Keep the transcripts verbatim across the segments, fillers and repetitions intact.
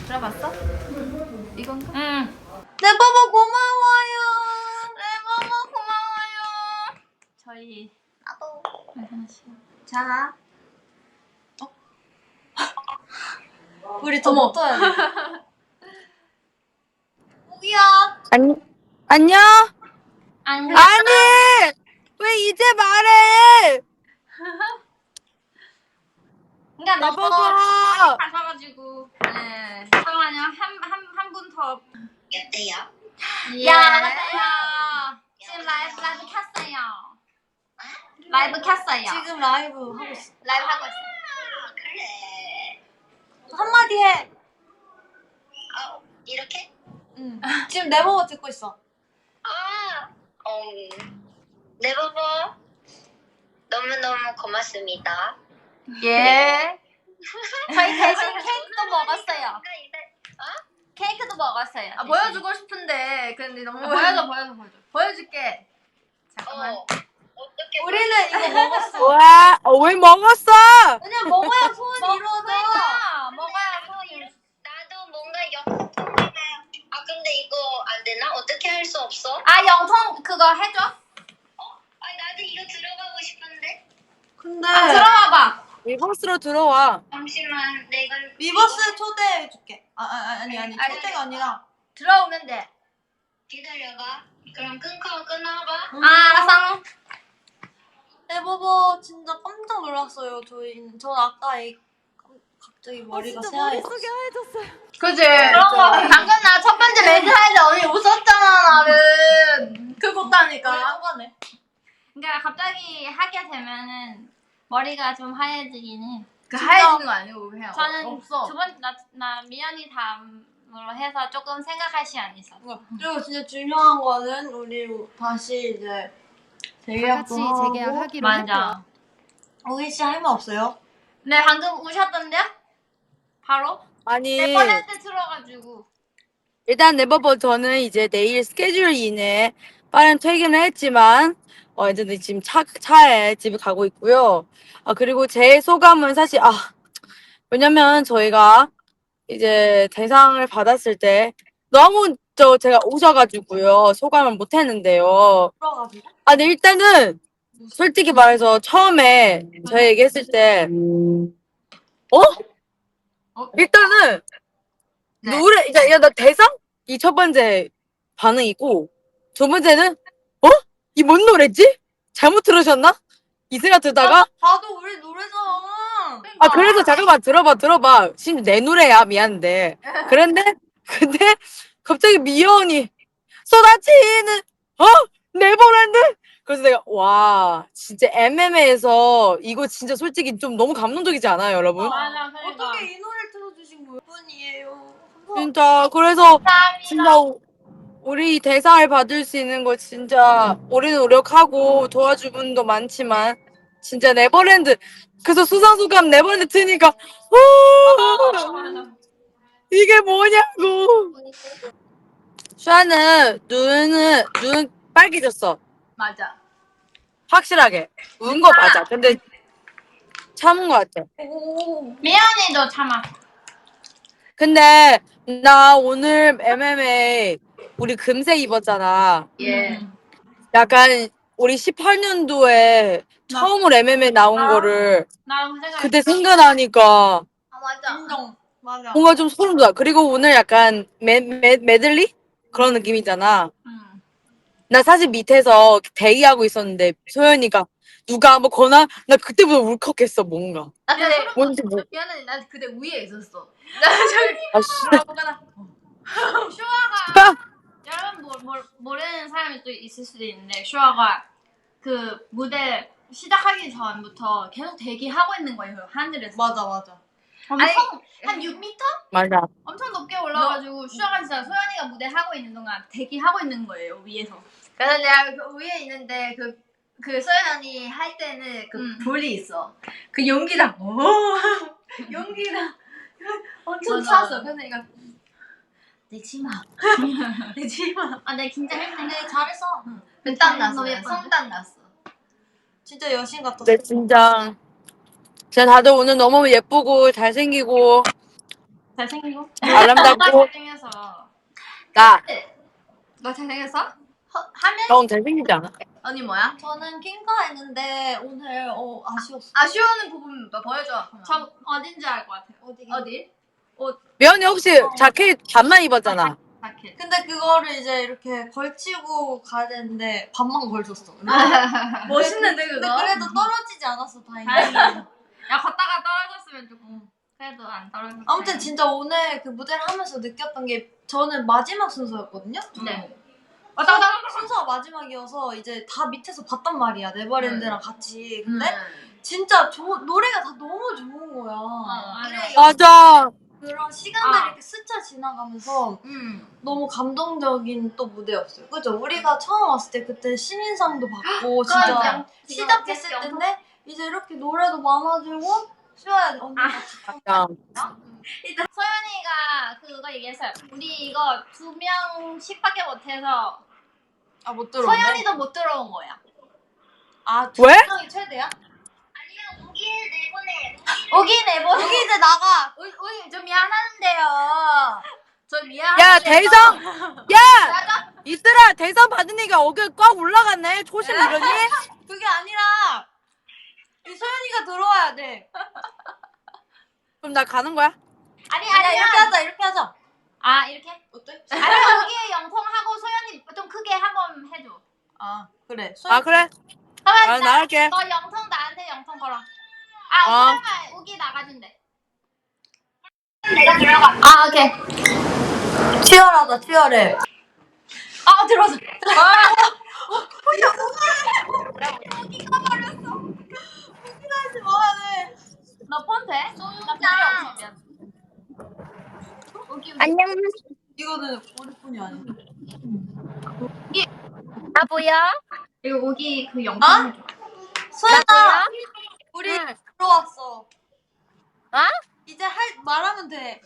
들어봤어? 이건가? 응. 네버버 고마워요. 네버버 고마워요. 저희 나도. 하나씩. 자. 어? 우리 더 붙어야 돼. 우기야. 안, 안녕? 안녕. 아니! 왜 이제 말해! 그러니까 너무 네버버! 많이 가셔가지고. 네. 잠깐만요. 한한 한 분 더. 여보세요? 야, 안녕하세요. 지금 라이브 라이브 켰어요. 라이브 켰어요. 지금 라이브 하고 있어. 라이브 하고 있어. 아, 그래. 한마디 해. 아, 이렇게? 응. 지금 네버버 듣고 있어. 아, 음, 네버버 너무너무 고맙습니다. 예. 저희 대신 케이크도 먹었어요. 뭔가 이제- 케이크도 먹었어요. 아 보여주고 싶은데 근데 너무 아, 보여줘 보여줘 보여줘. 보여줄게. 잠깐만. 어, 어떻게 우리는 이거 먹었어. 와, 어, 왜 먹었어? 그냥 먹어야 소원이 이루어져. 그러니까 먹어야 소원이. 나도 뭔가 영통 아 근데 이거 안 되나? 어떻게 할 수 없어? 아 영통 그거 해줘. 아 나도 이거 들어가고 싶은데. 근데 아 들어와봐. 리버스로 들어와. 잠시만 내가 위버스 초대해줄게. 아, 아 아니 아니 아니, 초대가 아니라. 들어오면 돼. 기다려봐. 그럼 끊고 끊어봐. 아 알았어. 네버버 진짜 깜짝 놀랐어요. 저희 전 아까 이 깜- 갑자기 머리가 새하얘졌어. 그지? 그런 거 방금 나 첫 번째 매드 할 때 언니 웃었잖아 나는. 그것다니까. 까네. 그러니까 갑자기 하게 되면은 머리가 좀 하얘지긴 해. 그 진짜. 하얘지는 거 아니고 그냥 저는 없어. 두번나나 미연이 다음으로 해서 조금 생각할 시간이 있어. 그리고 진짜 중요한 거는 우리 다시 이제 재계약도 같이 하고. 재계약하기로 했고요. 맞아. 우기 씨 할 말 없어요? 네 방금 우셨던데요? 바로? 아니, 네 번째 들어가지고. 일단 네버버 저는 이제 내일 스케줄 이내 빠른 퇴근을 했지만, 어, 이제 지금 차, 차에 집에 가고 있고요. 아, 그리고 제 소감은 사실, 아, 왜냐면 저희가 이제 대상을 받았을 때 너무 저 제가 오셔가지고요. 소감을 못 했는데요. 들어가지고. 아, 근데 일단은 솔직히 말해서 처음에 저희 얘기했을 때, 어? 일단은 네. 노래, 야, 야, 나 대상? 이 첫 번째 반응이고, 두 번째는, 어? 이 뭔 노래지? 잘못 들으셨나? 이 생각 들다가, 봐도 우리 노래잖아. 아, 그래서 잠깐만 들어봐, 들어봐. 심지어 내 노래야, 미안한데. 그런데, 근데, 갑자기 미연이 쏟아지는, 어? 네버랜드? 그래서 내가, 와, 진짜 엠엠에에서 이거 진짜 솔직히 좀 너무 감동적이지 않아요, 여러분? 맞아. 그러니까. 어떻게 이 노래를 틀어주신 거예요? 분이에요. 진짜, 그래서, 진짜, 우- 우리 대상을 받을 수 있는 거 진짜, 우리는 노력하고 도와줄 분도 많지만, 진짜 네버랜드, 그래서 수상소감 네버랜드 트니까, 어, 이게 뭐냐고. 슈아는 눈은, 눈 빨개졌어. 맞아. 확실하게. 운 거 맞아. 근데 참은 거 같아. 미연이도 참아. 근데 나 오늘 엠엠에 우리 금색 입었잖아. 예. 약간 우리 십팔 년도에 처음으로 엠엠에 나온 거를 나도 그 생각. 그때 생각나니까 아 맞아. 인정. 맞아. 뭔가 좀 소름 돋아. 그리고 오늘 약간 메, 메, 메들리? 그런 느낌이잖아. 응. 나 사실 밑에서 대기하고 있었는데 소연이가 누가 뭐 거나 나 그때부터 울컥했어 뭔가. 나 근데 뭔지 뭐. 미안해 나 그때 위에 있었어. 나 저기 아, 씨. 뭐가나. 슈아가 여러분 모, 모, 모르는 사람이 또 있을 수도 있는데 슈아가 그 무대 시작하기 전부터 계속 대기하고 있는 거예요. 그 하늘에서. 맞아 맞아. 엄청 한 육 미터? 맞아. 엄청 높게 올라가지고 슈아가 진짜 소연이가 무대 하고 있는 동안 대기하고 있는 거예요 위에서. 그래서 내가 그 위에 있는데 그, 그 소연 언니 할 때는 그 음. 불이 있어. 그 용기랑, 오! 용기랑 엄청 맞아. 찼어. 그래서 내가 내 치마. 내 치마. 아, 내 긴장했네. 근데 잘했어. 땀 났어. 너무 내가 예뻤는데? 손땀 났어. 진짜 여신 같았어. 네, 진짜. 진짜 다들 오늘 너무 예쁘고 잘생기고 잘생기고. 아름답고 잘생겨서. 나 너 잘생겼어? 하- 하면 형 잘생기지 않아? 언니 뭐야? 저는 킹카 했는데 오늘 어 아쉬웠어. 아쉬워하는 부분 뭐 보여줘. 그러면. 저 어딘지 알 것 같아요. 어디? 어디? 미연이 혹시 자켓 반만 입었잖아. 자켓. 근데 그거를 이제 이렇게 걸치고 가야 되는데 반만 걸쳤어. 멋있는데 근데 그거? 그래도 떨어지지 않았어 다행히. 다행이야. 야 걷다가 떨어졌으면 조금 그래도 안 떨어졌어. 아무튼 진짜 오늘 그 무대를 하면서 느꼈던 게 저는 마지막 순서였거든요. 네. 왔다 갔다 갔다 순서가 마지막이어서 이제 다 밑에서 봤단 말이야 네버랜드랑 같이. 근데 음. 진짜 조, 노래가 다 너무 좋은 거야. 맞아. 그래, 맞아. 그런 시간들이 아. 이렇게 스쳐 지나가면서 음. 너무 감동적인 또 무대였어요. 그죠? 우리가 처음 왔을 때 그때 신인상도 받고 진짜 그러니까. 시작했을 지금 때인데 이제 이렇게 노래도 많아지고 수아야 언니 같이 야, 소연이가 그거 얘기했어요. 우리 이거 두 명씩밖에 못해서 아못 들어오네. 소연이도 못 들어온 거야. 아두 왜? 명이 최대야? 아니면 우기를 내보내. 오기 내보. 여기 이제 나가. 우리 우리 좀 미안한데요. 저 미안. 야 대성. 야 이슬아 대성 받은 얘기가 어깨 꽉 올라갔네. 초심 이러니? 그게 아니라 이 소연이가 들어와야 돼. 그럼 나 가는 거야? 아니 아니야 아니야. 이렇게 하자 이렇게 하자. 아 이렇게? 어때? 아니 오기 영통하고 소연이 좀 크게 한번 해줘. 아 그래. 소연 아 그래? 그러면 아 나 할게. 너 영통 나한테 영통 걸어. 아 어. 그러면 우기 나가준대. 내가 들어가. 아 오케이. 치열하다 치열해. 아 들어서. 하지 말아야 돼. 너폰 돼? 나 필요 없어 미안. 우기 우기. 안녕, 이거는 우리 뿐이 아니야. 나 보여? 이거 우기 그 영통 아? 해줘. 소연아 우리 응. 들어왔어. 어? 이제 할 말하면 돼.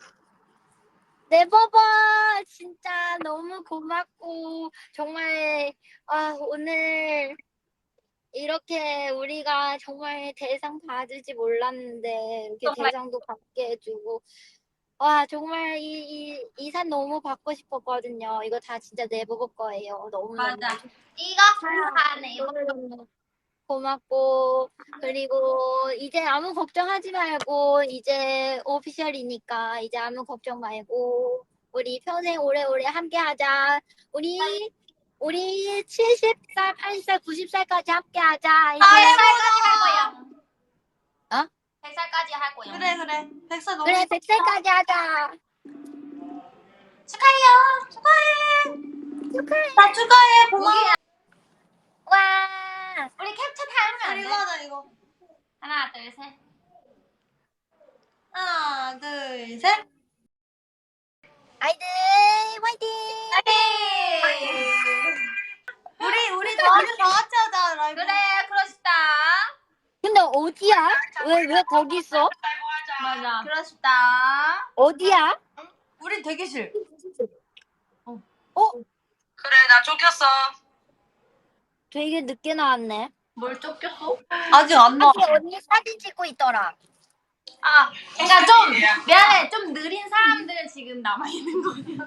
네버버 진짜 너무 고맙고 정말 아 오늘 이렇게 우리가 정말 대상 받을지 몰랐는데 이렇게 정말. 대상도 받게 해주고 와 정말 이 이 산 너무 받고 싶었거든요. 이거 다 진짜 네버버 거예요. 너무 맞아. 너무 이거 하네 이거. 너무 고맙고 그리고 이제 아무 걱정하지 말고 이제 오피셜이니까 이제 아무 걱정 말고 우리 평생 오래오래 함께하자. 우리 우리 칠십 살, 팔십 살, 구십 살까지 함께하자. 백 이제 살까지 할 거야. 어? 백 살까지 할 거야. 그래 그래. 백살 너무 그래 백 살까지 하자. 축하해요. 축하해. 나 축하해. 고마워. 와 우리 캡처 타임은 안 이거 돼? 하자 이거. 하나 둘 셋. 하나 둘 셋. 아이들 화이팅! 우리 우리 다 우리 다 같이 하자 라이브. 그래 그러시다. 근데 어디야? 왜 왜 거기 있어? 맞아. 그러시다. 어디야? 우리 대기실. 어? 그래 나 쫓겼어. 되게 늦게 나왔네. 뭘 쫓겼어? 아직 안 나와. 사실 언니 사진 찍고 있더라. 아, 그러니까 좀 미안해. 좀 느린 사람들 지금 남아 있는 거야.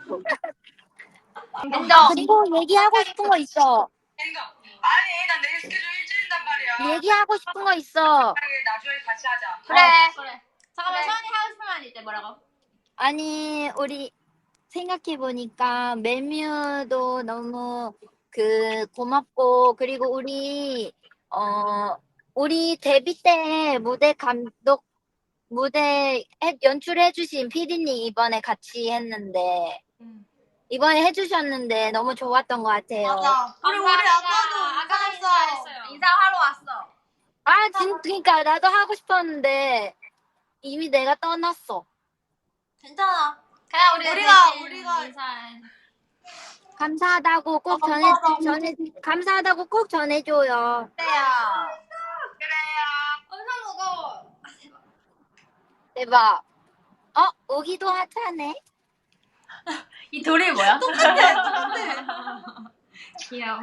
인정. 그리고 얘기하고 싶은 거 있어. 생각. 아니 나 내일 스케줄 일주일단 말이야. 얘기하고 싶은 거 있어. 나중에 같이 하자. 그래. 어. 그래. 잠깐만 그래. 서연이 하고 싶은 말 있대. 뭐라고? 아니 우리 생각해 보니까 멜뮤도 너무 그 고맙고 그리고 우리 어 우리 데뷔 때 무대 감독 무대 해- 연출해주신 피디님 이번에 같이 했는데 음. 이번에 해주셨는데 너무 좋았던 것 같아요. 맞아. 우리 우리 아까도 아까 인사했어. 인사했어요. 인사하러 왔어. 아, 진, 그러니까 나도 하고 싶었는데 이미 내가 떠났어. 괜찮아. 그냥 우리 우리가- 대신 우리가- 인사해. 감사하다고 꼭 아, 전해 감사하다고. 전해 감사하다고 꼭 전해줘요. 그래요. 그래요. 엄청 무거워. 대박. 어, 오기도 하차네. 이 돌이 뭐야? 똑같아. 똑같아. 귀여워.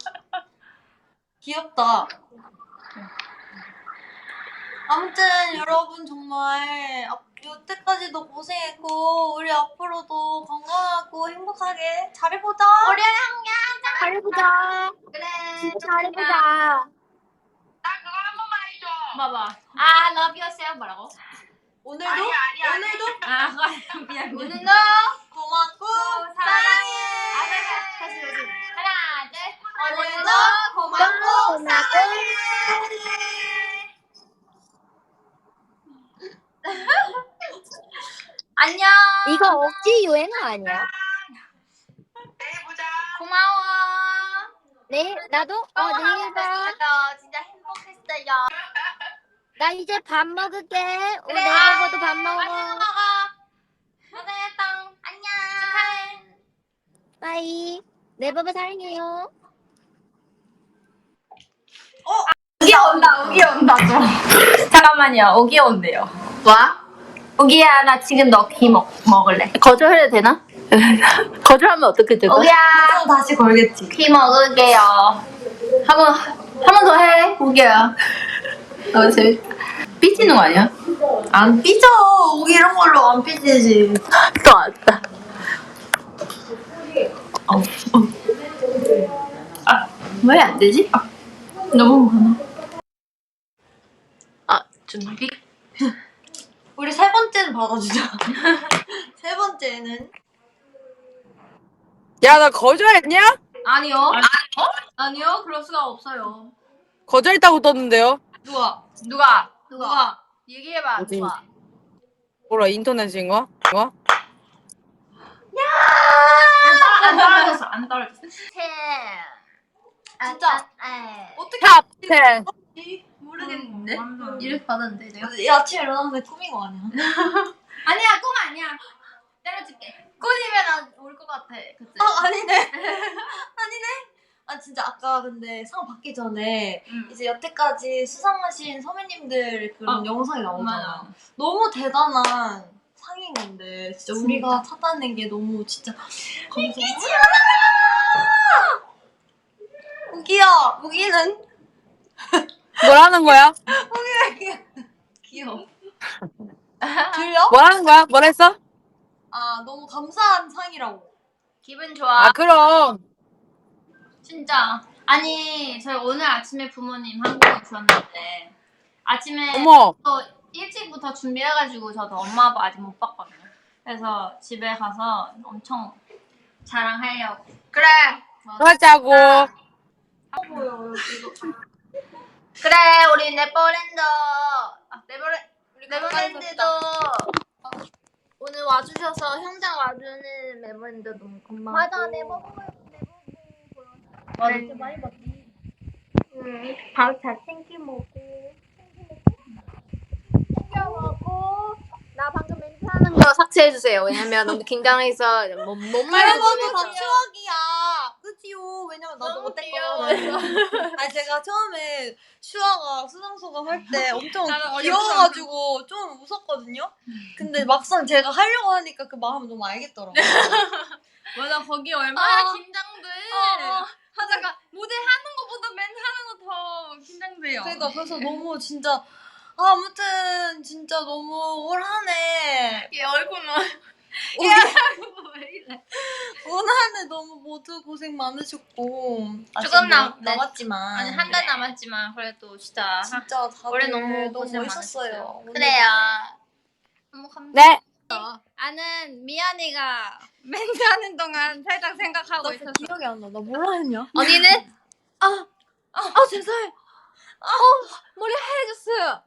귀엽다. 아무튼 여러분 정말 앞- 여태까지도 고생했고 우리 앞으로도 건강하고 행복하게 잘해보자. 우리 함께 잘해보자. 그래. 진짜 잘해보자. 나 그거 한 번만 해줘. 봐봐. 아, love yourself 뭐라고? 오늘도 아니 아니 아니. 오늘도 아, 그거 미안. 오늘도 고맙고 사랑해. 아, 다시 다시 다시. 하나, 둘. 오늘도 고맙고 고맙고 고맙고. 안녕. 이거 억지 유행어 아니야? 내일 보자. 고마워. 네, 나도 어 내일 봐. 저 진짜 행복했어요. 나 이제 밥 먹을게. 우리 그래. 내일부터 밥 맛있는 거 먹어. 먹어. 고생했다. 안녕. 축하해. 빠이. 네버버 사랑해요. 우기 온다, 우기 온다, 또. 잠깐만요, 우기 온대요. 뭐? 우기야, 나 지금 너 귀 먹, 먹을래. 거절해도 되나? 거절하면 어떻게 될까? 우기야, 또 다시 걸겠지. 귀 먹을게요. 한 번, 한 번 더 해, 우기야. 어, 재밌다. 삐지는 거 아니야? 안 삐져. 우기 이런 걸로 안 삐지지. 또 왔다. 어, 어. 아, 왜 안 되지? 아, 너무 많아. 아, 준비? 우리 세 번째는 받아주자. 세 번째는 야, 나 거절했냐? 아니요. 어? 아니요, 그럴 수가 없어요. 거절했다고 떴는데요? 누가? 누가? 누가? 얘기해봐, 어디? 누가? 뭐라, 인터넷인가? 뭐? 안 떨어졌어, 안 떨어졌어. 아, 진짜. 아, 아. 어떻게 탑 텐. 모르겠는데? 이렇게 받았는데, 내가? 이 아침에 일어났는데 꿈인 거 아니야? 아니야, 꿈 아니야. 때려줄게. 꿈이면 올 것 같아, 그치? 아 아니네. 아니네. 아 진짜 아까 근데 상 받기 전에 응. 이제 여태까지 수상하신 선배님들 그런 아, 영상이 나오잖아. 맞아. 너무 대단한 상인 건데 진짜, 우리가 찾아낸 게 너무 진짜 감사해. 우기야, 우기는 뭐라는 거야? 귀여워. 들려? 뭐라는 거야? 뭐랬어? 아 너무 감사한 상이라고. 기분 좋아. 아, 그럼. 진짜. 아니, 저희 오늘 아침에 부모님 한국에 오셨는데, 아침에 어머. 또 일찍부터 준비해가지고 저도 엄마 아빠 아직 못 봤거든요. 그래서 집에 가서 엄청 자랑하려고. 그래. 그러자고. 그래, 우리 네버랜드. 아, 네버랜, 네버랜드도 오늘 와주셔서 현장 와주는 네버랜드 너무 고마워. 맞아, 네버버. 맞아, 좀 많이 봤지. 응, 밥잘 챙겨 먹고. 챙겨 먹고. 나 방금 멘트 하는 거. 이거 삭제해주세요. 왜냐면 너무 긴장해서 못, 못 이것도 말해주면서. 다 추억이야. 그치요? 왜냐면 나도 너무 못했거든. 아니 제가 처음에 슈아가 수상소감 할 때 엄청 나는 어렵지 귀여워가지고 좀 웃었거든요. 근데 막상 제가 하려고 하니까 그 마음 너무 알겠더라고. 맞아, 거기 얼마나 어. 긴장돼. 어. 하다가 무대 하는 것보다 멘트 하는 거 더 긴장돼요. 그러니까 그래서 너무 진짜 아, 아무튼 진짜 너무 올 한해 얘 얼굴은 우리 왜 이래? 올 한해 너무 모두 고생 많으셨고 아직 조금 뭐 남- 남았지만 아니 한 달 남았지만 그래도 진짜 진짜 다들 올해 너무 너무 고생 멋있었어요. 많으셨어요. 오늘 그래요. 너무 감사. 네. 아는 미연이가 멘트 하는 동안 살짝 생각하고 나 있었어. 기억이 안 나. 나 뭐라 했냐? 언니는 아, 아, 죄송해. 아, 머리 하얘졌어요.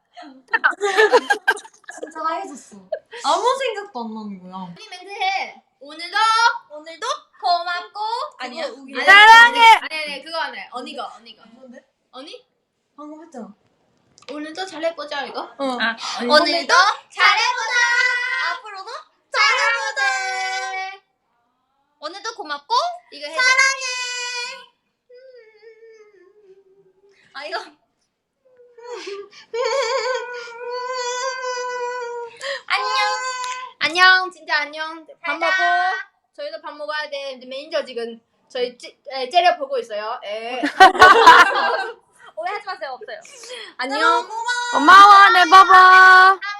진짜 하얘졌어. 아무 생각도 안 나는 거야. 언니 멘트 해. 오늘도 오늘도 고맙고 아니야. 우기. 아니, 사랑해. 아니 아니 그거 안 해. 언니가 언니가. 뭔데? 언니? 방금 했잖아. 오늘도 잘해보자 이거. 응. 아, 오늘도 잘해보자. 앞으로도 잘해보자. 오늘도 고맙고 이거 해줘. 아 이거 안녕. 안녕. 진짜 안녕. 밥 먹고 저희도 밥 먹어야 돼. 근데 매니저 지금 저희 찌, 에, 째려 보고 있어요. 에. 오해하지 마세요. 없어요. 안녕. 고마워, 네버버.